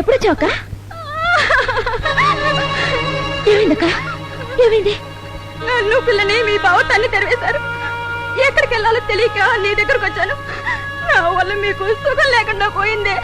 ఎప్పుడు వచ్చావుక? ఏమైందక్క? ఏమైంది? నన్ను పిల్లని మీ బావ తల్లి తెరవేశారు. ఎక్కడికి వెళ్ళాలో తెలియక నీ దగ్గరకు వచ్చాను. నా వల్ల మీకు సుఖం లేకుండా పోయిందే.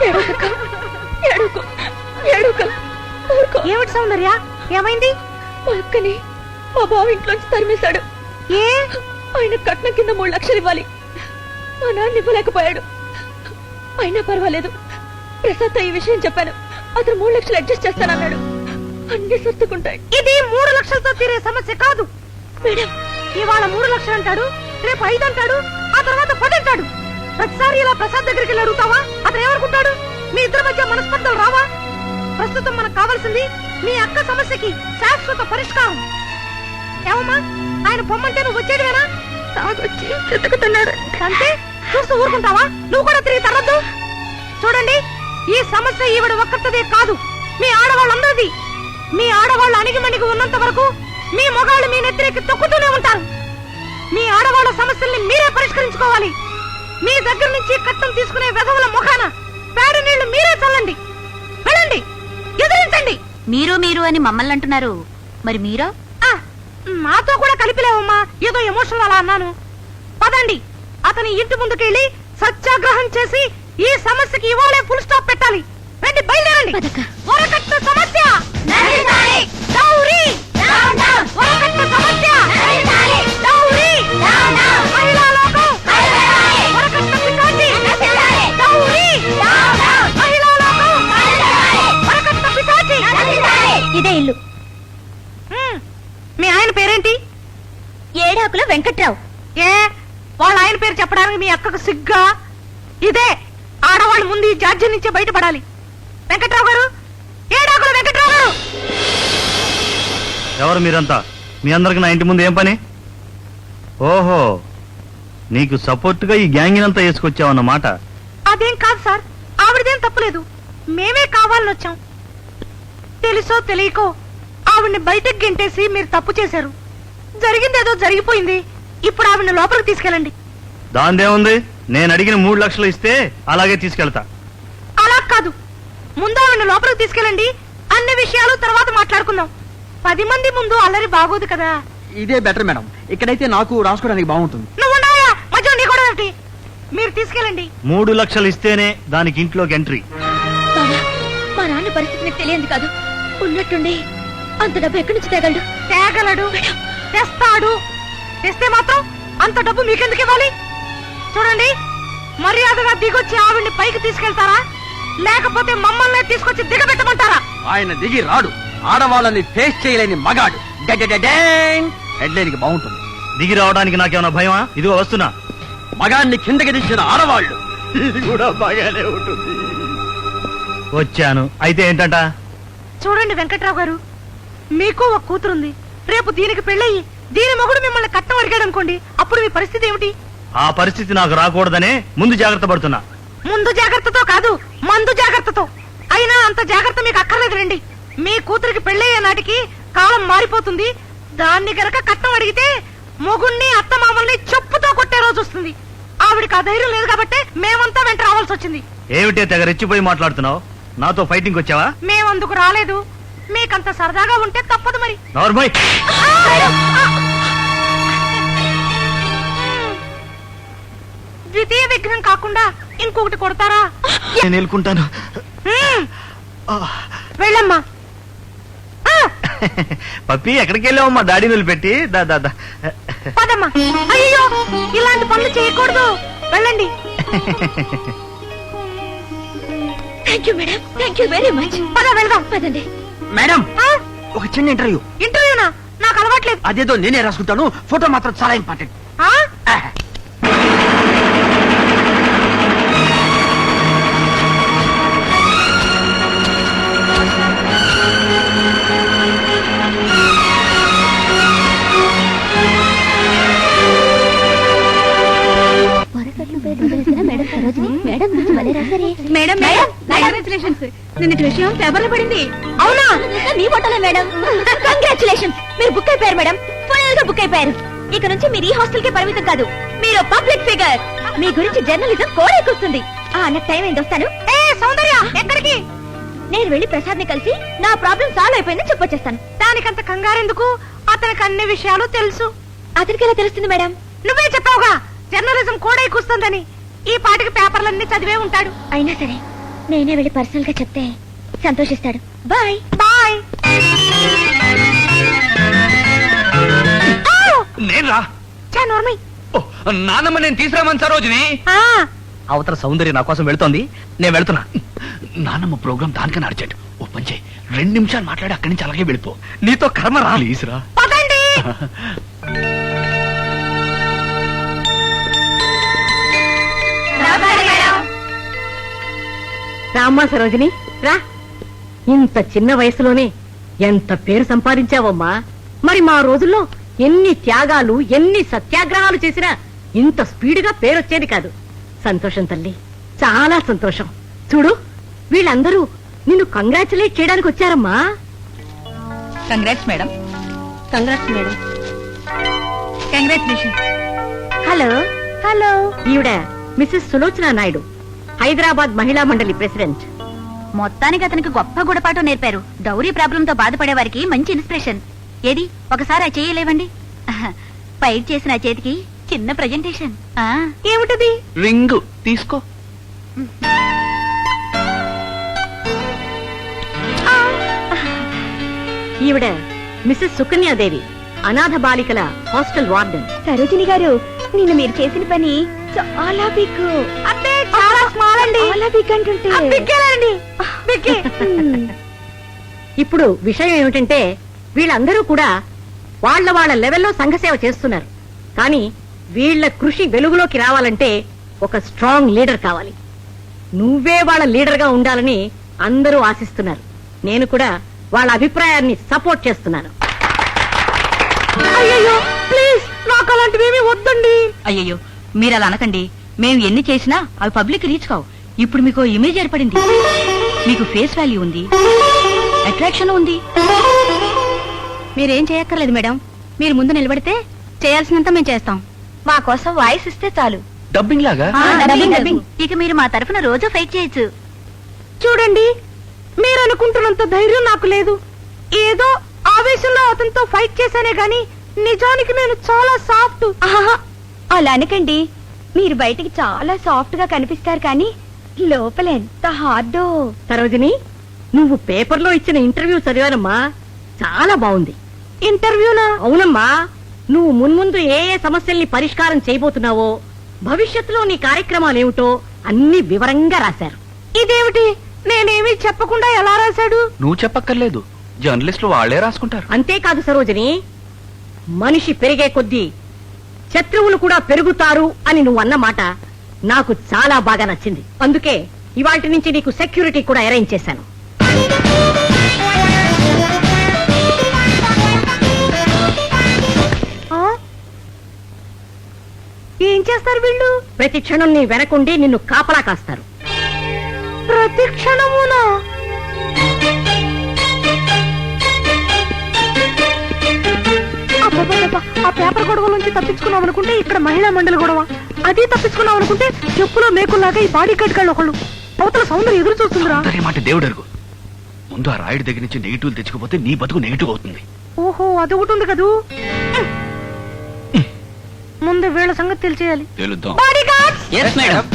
ఏమిటి సౌందర్య, ఏమైంది? మా అక్కని మా బావ ఇంట్లోంచి తరిమేశాడు. ఏ? ఆయన కట్నం కింద 3 లక్షలు ఇవ్వాలి. మా నాన్న ఇవ్వలేకపోయాడు. అయినా పర్వాలేదు, ప్రసాద్ ఈ విషయం చెప్పాను. అతను 3 లక్షలు అడ్జస్ట్ చేస్తానన్నాడు. అన్ని సర్దుకుంటాయి. ఇది 3 లక్షలతో తీరే సమస్య కాదు మేడం. ఇవాళ 3 లక్షలు అంటాడు, రేపు 5 అంటాడు, ఆ తర్వాత 10 అంటాడు. ప్రతిసారి ఇలా ప్రసాద్ దగ్గరికి వెళ్ళి అడుగుతావా? అతను ఏమనుకుంటాడు? మీ ఇద్దరి మధ్య మనస్పర్ధలు రావా? ప్రస్తుతం మనకు కావాల్సింది మీ అక్క సమస్యకి శాశ్వత పరిష్కారం. ఏమమ్మా, ఆయన పొమ్మంటే నువ్వు వచ్చేదివేనా? తాగొచ్చి చెతుకుతున్నాడు. అంతే చూస్తూ ఊరుకుంటావా? నువ్వు కూడా తిరిగి తరద్దు. చూడండి, ఈ సమస్య ఈవిడ ఒక్కరిదే కాదు, మీ ఆడవాళ్ళందరిది. మీ ఆడవాళ్ళు అణిగిమణిగి ఉన్నంత వరకు మీ మొగాళ్ళు మీ నెత్తికి తొక్కుతూనే ఉంటారు. మీ ఆడవాళ్ళ సమస్యల్ని మీరే పరిష్కరించుకోవాలి. మీ దగ్గర నుంచి కట్టం తీసుకునే వెధవుల ముఖాన పేడ నీళ్లు మీరే చల్లండి. వెళ్ళండి, ఎదిరించండి. మీరు అని మమ్మల్ని అంటున్నారు, మరి మీరో? మాతో కూడా కలిపిలేవమ్మా, ఏదో ఎమోషనల్ అలా అన్నాను. పదండి, అతని ఇంటి ముందుకెళ్ళి సత్యాగ్రహం చేసి ఈ సమస్యకి ఇవాళే ఫుల్ స్టాప్ పెట్టాలి. రండి, బయలుదేరండి. వరకట్న సమస్య డౌరీ, వరకట్న సమస్య డౌరీ, మహిళా లోకం వరకట్న పిశాచి డౌరీ, మహిళా లోకం వరకట్న పిశాచి. ఇదే ఇల్లు. మీ ఆయన పేరేంటి? ఏడాకుల వెంకట్రావు. ఏ, వాళ్ళ ఆయన పేరు చెప్పడానికి మీ అక్కకు సిగ్గా? ఇదే ఆడవాళ్ళు ముందు ఈ జాడ్యం నుంచే బయటపడాలి. వెంకట్రావు గారు, ఏడాకుల వెంకట్రావు గారు. ఎవరు మీరంతా? మీ అందరికి నా ఇంటి ముందు ఏం పని? ఓహో, నీకు సపోర్ట్ గా ఈ గ్యాంగ్ అంతా వేసుకొచ్చావన్నమాట. అదేం కాదు సార్, ఆవిడదేం తప్పులేదు. మేమే కావాలని వచ్చాం. తెలుసో తెలియకో ఆవిడ్ని బయటకు గెంటేసి మీరు తప్పు చేశారు. జరిగిందేదో జరిగిపోయింది. ఇప్పుడు ఆవిడ్ని లోపలికి తీసుకెళ్ళండి. దాందేముంది, నేను అడిగిన 3 లక్షలు ఇస్తే అలాగే తీసుకెళ్తా. అలా కాదు, ముందు ఆవిడ్ని లోపలికి తీసుకెళ్ళండి. అన్ని విషయాలు తర్వాత మాట్లాడుకుందాం. 10 మంది ముందు అల్లరి బాగోదు కదా. ఇదే బెటర్ మేడం, ఇక్కడైతే నాకు రాసుకోవడానికి బాగుంటుంది. నువ్వు ఉన్నాయా మధ్య నీ కూడా ఏమిటి? మీరు తీసుకెళ్ళండి. 3 లక్షలు ఇస్తేనే దానికి ఇంట్లోకి ఎంట్రీ. బావా, మా నాన్న పరిస్థితి నీకు తెలియంది కాదు. ఉన్నట్టుండి అంత డబ్బు ఎక్కడి నుంచి తేగలడు? తేగలడు, తెస్తాడు. తెస్తే మాత్రం అంత డబ్బు మీకెందుకు ఇవ్వాలి? చూడండి, మర్యాదగా దిగొచ్చి ఆవిడ్ని పైకి తీసుకెళ్తారా, లేకపోతే మమ్మల్ని తీసుకొచ్చి దిగబెట్టమంటారా? ఆయన దిగి రాడు, ఆడవాళ్ళని ఫేస్ చేయలేని మగాడు. హెడ్లైన్ కి బాగుంటుంది. దిగి రావడానికి నాకేమైనా భయమా? ఇదిగో వస్తున్నా. మగాన్ని కిందకి దించిన ఆడవాళ్ళు, ఇది కూడా బాగానే ఉంటుంది. వచ్చాను. అయితే ఏంటంట? చూడండి వెంకట్రావు గారు, మీకు ఒక కూతురుంది. రేపు దీనికి పెళ్ళయి దీని మొగుడు మిమ్మల్ని కట్నం అడిగాడు అనుకోండి, అప్పుడు మీ పరిస్థితి ఏమిటి? ఆ పరిస్థితి నాకు రాకూడదనే ముందు జాగ్రత్త పడుతున్నా. ముందు జాగ్రత్తతో కాదు, మందు జాగ్రత్తతో. అయినా అంత జాగ్రత్త మీకు అక్కర్లేదు రండి. మీ కూతురికి పెళ్ళయ్యే నాటికి కాలం మారిపోతుంది. దాన్ని గనక కట్నం అడిగితే మొగుణ్ణి అత్తమామల్ని చెప్పుతో కొట్టే రోజు వస్తుంది. ఆవిడికి ఆ ధైర్యం లేదు కాబట్టి మేమంతా వెంట రావాల్సి వచ్చింది. ఏమిటే తెగ రెచ్చిపోయి మాట్లాడుతున్నావు? నాతో ఫైటింగ్ వచ్చావా? మేమందుకు రాలేదు. మీకంత సరదాగా ఉంటే తప్పదు మరి. నార్మల్. ద్వితీయ విగ్రహం కాకుండా ఇంకొకటి కొడతారా? నేను వెళ్ళుకుంటాను. వెళ్ళమ్మా. పప్పి, ఎక్కడికి వెళ్ళావమ్మా? డాడీ నిలబెట్టి దాదా. పదమ్మా. అయ్యో, ఇలాంటి పనులు చేయకూడదు. వెళ్ళండి. Thank you madam, thank you very much. పద వెళ్దాం. పదండి. మేడం, ఒక చిన్న ఇంటర్వ్యూ. ఇంటర్వ్యూనా? నాకు అలవాట్లేదు. అదేదో నేనే రాసుకుంటాను. ఫోటో మాత్రం చాలా ఇంపార్టెంట్. Madam congratulations. నిన్నటి విషయం పేపర్లో పడింది. అవునా? మీ ఫోటోలే మేడం. కంగ్రాచులేషన్స్, మీరు బుక్ అయిపోయారు మేడం. ఫైనల్ గా బుక్ అయిపోయారు. ఇక నుంచి మీరు ఈ హాస్టల్ కే పరిమితం కాదు, మీరు పబ్లిక్ ఫిగర్. మీ గురించి జర్నలిజం కోడెక్కుస్తుంది. నాకు టైం ఏంటి, వస్తాను. సౌందర్య, ఎక్కడికి? నేను వెళ్ళి ప్రసాద్ ని కలిసి నా ప్రాబ్లం సాల్వ్ అయిపోయిందని చెప్పొచ్చేస్తాను. దానికంత కంగారెందుకు? అతనికి అన్ని విషయాలు తెలుసు. అతనికి ఎలా తెలుస్తుంది మేడం? నువ్వే చెప్పావుగా జర్నలిజం కూడా కూస్తుందని. ఈ పాటికి పేపర్లన్నీ చదివే ఉంటాడు. అయినా సరే నేనే వెళ్ళి పర్సనల్ గా చెప్తే సంతోషిస్తాడు. Bye bye. నేను రా నోర్మి. నాన్నమ్మ నేను తీసుకురామని సరోజిని. అవతల సౌందర్య నా కోసం వెళ్తోంది, నేను వెళ్తున్నా. నాన్నమ్మ ప్రోగ్రామ్ దానికన్నా అర్జెంట్. ఓ పని చేయి, 2 నిమిషాలు మాట్లాడి అక్కడి నుంచి అలాగే వెళ్ళిపో. నీతో కర్మ రా. ప్లీజ్ రా. పదండి. రామ్మా సరోజిని రా. ఇంత చిన్న వయసులోనే ఎంత పేరు సంపాదించావమ్మా. మరి మా రోజుల్లో ఎన్ని త్యాగాలు ఎన్ని సత్యాగ్రహాలు చేసినా ఇంత స్పీడ్గా పేరొచ్చేది కాదు. సంతోషం తల్లి, చాలా సంతోషం. చూడు వీళ్ళందరూ నిన్ను కంగ్రాచులేట్ చేయడానికి వచ్చారమ్మా. Congrats madam. Congrats madam. Congratulation. Hello hello. ఈవిడ మిసెస్ సులోచన నాయుడు, హైదరాబాద్ మహిళా మండలి ప్రెసిడెంట్. మొత్తానికి అతనికి గొప్ప గుణపాఠం నేర్పారు. డౌరీ ప్రాబ్లం తో బాధపడే వారికి మంచి ఇన్స్పిరేషన్. ఏది ఒకసారి ఆ చేయలేవండి. ఫైట్ చేసిన ఆ చేతికి చిన్న ప్రెజెంటేషన్. ఏమిటది? రింగు తీసుకో. ఈవిడ మిసెస్ సుకన్యాదేవి, అనాథ బాలికల హాస్టల్ వార్డెన్. సరోజిని గారు, నిన్న మీరు చేసిన పని చాలా బిగ్. అంటే చాలా స్మాల్ అండి. చాలా బిగ్ అంటుంటే బిగ్గేనండి. బిగ్గే. ఇప్పుడు విషయం ఏమిటంటే వీళ్ళందరూ కూడా వాళ్ళ లెవెల్లో సంఘసేవ చేస్తున్నారు. కానీ వీళ్ళ కృషి వెలుగులోకి రావాలంటే ఒక స్ట్రాంగ్ లీడర్ కావాలి. నువ్వే వాళ్ళ లీడర్ గా ఉండాలని అందరూ ఆశిస్తున్నారు. నేను కూడా వాళ్ళ అభిప్రాయాన్ని సపోర్ట్ చేస్తున్నాను. అయ్యయ్యో ప్లీజ్, నాకు అలాంటివేమీ వద్దండి. అయ్యయ్యో మీరు అలా అనకండి. మేము ఎన్ని చేసినా అవి పబ్లిక్ రీచ్ కావు. ఇప్పుడు మీకు ఇమేజ్ ఏర్పడింది, మీకు ఫేస్ వాల్యూ ఉంది, అట్రాక్షన్ ఉంది. మీరేం చేయక్కర్లేదు మేడం. మీరు ముందు నిలబడితే చేయాల్సినంత మేము చేస్తాం. మా కోసం వాయిస్ ఇస్తే చాలు. డబ్బింగ్ లాగా. డబ్బింగ్. ఇక మీరు మా తరఫున రోజు ఫైట్ చేయొచ్చు. చూడండి, మీరు అనుకుంటున్నంత ధైర్యం నాకు లేదు. ఏదో ఆవేశంలో అతనితో ఫైట్ చేశానే గాని నిజానికి నేను చాలా సాఫ్ట్. అలా అనకండి. మీరు బయటికి చాలా సాఫ్ట్ గా కనిపిస్తారు కానీ లోపల ఎంత హార్డో. సరోజిని, నువ్వు పేపర్లో ఇచ్చిన ఇంటర్వ్యూ చదివానమ్మా, చాలా బాగుంది. ఇంటర్వ్యూనా? అవునమ్మా, నువ్వు మున్ముందు ఏ ఏ సమస్యల్ని పరిష్కారం చేయబోతున్నావో, భవిష్యత్తులో నీ కార్యక్రమాలేమిటో అన్ని వివరంగా రాశారు. ఇదేమిటి, నేనేమీ చెప్పకుండా ఎలా రాశాడు? నువ్వు చెప్పక్కర్లేదు, జర్నలిస్టులు వాళ్లే రాసుకుంటారు. అంతేకాదు సరోజిని, మనిషి పెరిగే కొద్దీ శత్రువులు కూడా పెరుగుతారు అని నువ్వు అన్నమాట నాకు చాలా బాగా నచ్చింది. అందుకే ఇవాల్టి నుంచి నీకు సెక్యూరిటీ కూడా అరేంజ్ చేశాను. ఏం చేస్తారు వీళ్ళు? ప్రతి క్షణం నీ వెనకుండి నిన్ను కాపలా కాస్తారు. ప్రతి క్షణమునా? అబ్బబ్బబ్బబ్బ, ఆ పేపర్ గొడవ నుంచి తప్పించుకున్నాం అనుకుంటే ఇక్కడ మహిళా మండలి గొడవ. అది తప్పించుకున్నాం అనుకుంటే చెప్పులో మేకుల్లాగా ఈ బాడీ కట్ గాళ్ళు ఒకళ్ళు. అవతల సౌందర్యం ఎదురు చూస్తుందిరా. మాట దేవుడు అరుగు. ముందు ఆ రాయుడి దగ్గర నుంచి నెగిటివ్ తెచ్చుకోపోతే నీ బతుకు నెగిటివ్ అవుతుంది. ఓహో, అది ఒకటి ఉంది కదూ. ముందు వీళ్ళ సంగతి తెలిసేయాలి. తెలుద్దాం. బాడీగార్డ్స్!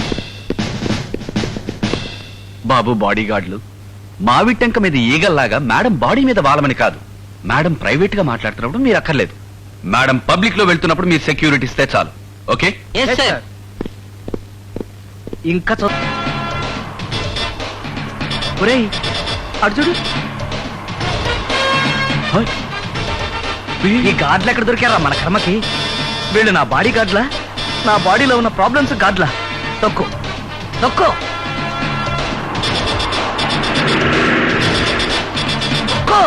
బాబు బాడీగార్డులు, మావి టెంక మీద ఈగల్లాగా మేడం బాడీ మీద వాలమని కాదు. మేడం ప్రైవేట్ గా మాట్లాడుతున్నప్పుడు మీరు అక్కర్లేదు. మేడం పబ్లిక్ లో వెళ్తున్నప్పుడు మీరు సెక్యూరిటీ ఇస్తే చాలు. ఓకే? ఇంకా అర్జుడు ఈ గార్డులు ఎక్కడ దొరికారా మన కర్మకి? వీళ్ళు నా బాడీ గార్డ్లా? నా బాడీలో ఉన్న ప్రాబ్లమ్స్ గార్డ్లా? తొక్కు తొక్కు తొక్కు.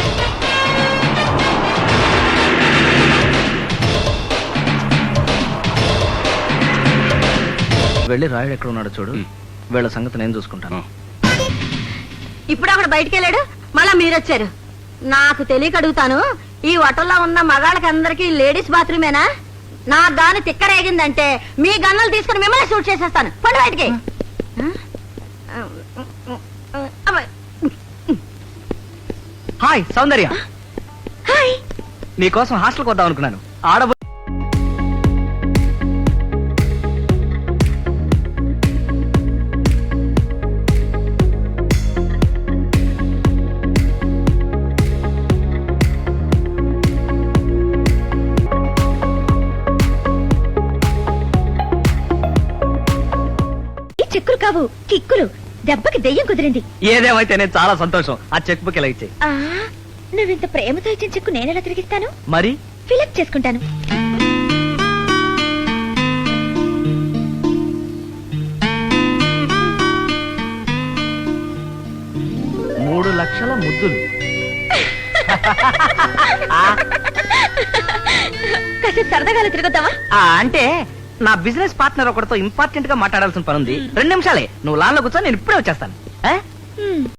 వెళ్ళి రాయుడు ఎక్కడ ఉన్నాడో చూడు. వీళ్ళ సంగతి నేను చూసుకుంటాను. ఇప్పుడు అక్కడ బయటికి వెళ్ళాడు, మళ్ళా మీరొచ్చారు. నాకు తెలియక అడుగుతాను, ఈ హోటల్లో ఉన్న మగాళ్ళకి అందరికి లేడీస్ బాత్రూమేనా? నా దాని తిక్కరేగిందంటే మీ గన్నలు తీసుకుని మిమ్మల్ని షూట్ చేసేస్తాను. పండు బయటికి. హాయ్ సౌందర్య. హాయ్. నీకోసం హాస్టల్కి వద్దాం అనుకున్నాను. ఆడబో ఈ చెక్కులు కావు, కిక్కులు. దెబ్బకి దెయ్యం కుదిరింది. ఏదేమైతే నేను చాలా సంతోషం. ఆ చెక్ బుక్ ఇలా ఇచ్చే. ఆ, నువ్వింత ప్రేమతో ఇచ్చిన చెక్కు నేనెలా తిరిగిస్తాను? మరి ఫిలప్ చేసుకుంటాను. మూడు లక్షల ముద్దులు. కాసేపు సరదాగా తిరుగుతావా? అంటే నా బిజినెస్ పార్ట్నర్ ఒకటితో ఇంపార్టెంట్ గా మాట్లాడాల్సిన పని ఉంది. 2 నిమిషాలే. నువ్వు లాన్ లో కూర్చో, నేను ఇప్పుడే వచ్చేస్తాను. ఆ?